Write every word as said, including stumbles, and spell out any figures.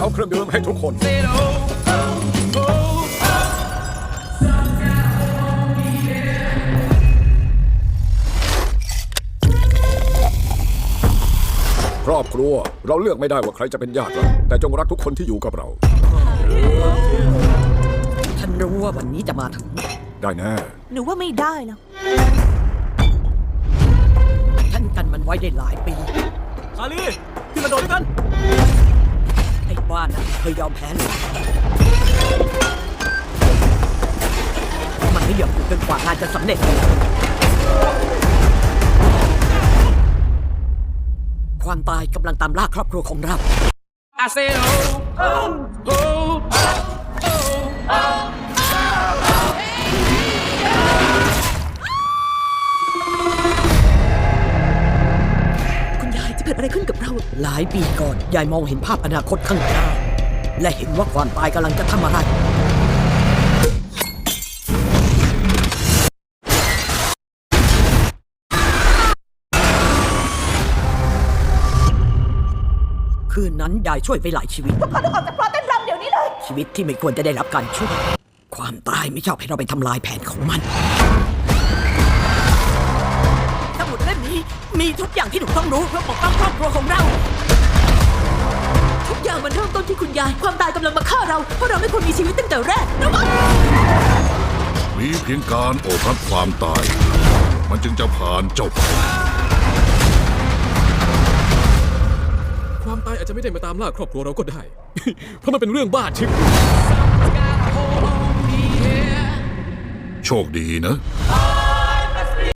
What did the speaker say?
เอาเครื่องดื่มให้ทุกคนครอบครัวเราเลือกไม่ได้ว่าใครจะเป็นญาติเราแต่จงรักทุกคนที่อยู่กับเราฉันรู้ว่าวันนี้จะมาถึงได้แน่หนูว่าไม่ได้แล้วฉันกันมันไว้ได้หลายปีซาลีที่มาโดดด้วยกันไอ้บ้านนั้นเคยยอมแพ้เลยมันไม่ยอมหยุดจนกว่างานจะสำเร็จความตายกำลังตามล่าครอบครัวของเรา I said oh oh oh oh oh คุณยายจะเกิดอะไรขึ้นกับเราหลายปีก่อนยายมองเห็นภาพอนาคตข้างหน้าและเห็นว่าความตายกำลังจะทำอะไรคืนนั้นยายช่วยไปหลายชีวิตทุกคนต้องออกจากเพราะเต้นรำเดี๋ยวนี้เลยชีวิตที่ไม่ควรจะได้รับการช่วยความตายไม่ชอบให้เราไปทำลายแผนของมันสมุดเล่มนี้มีทุกอย่างที่หนูต้องรู้เพื่อปกป้องครอบครัวของเราทุกอย่างมันเริ่มต้นที่คุณยายความตายกำลังมาฆ่าเราเพราะเราไม่ควรมีชีวิตตั้งแต่แรกนะมันมีเพียงการโอบรับความตายมันจึงจะผ่านเจ้าไปความตายอาจจะไม่ได้มาตามล่าครอบครัวเราก็ได้ เพราะมันเป็นเรื่องบ้าชิบโชคดีนะ oh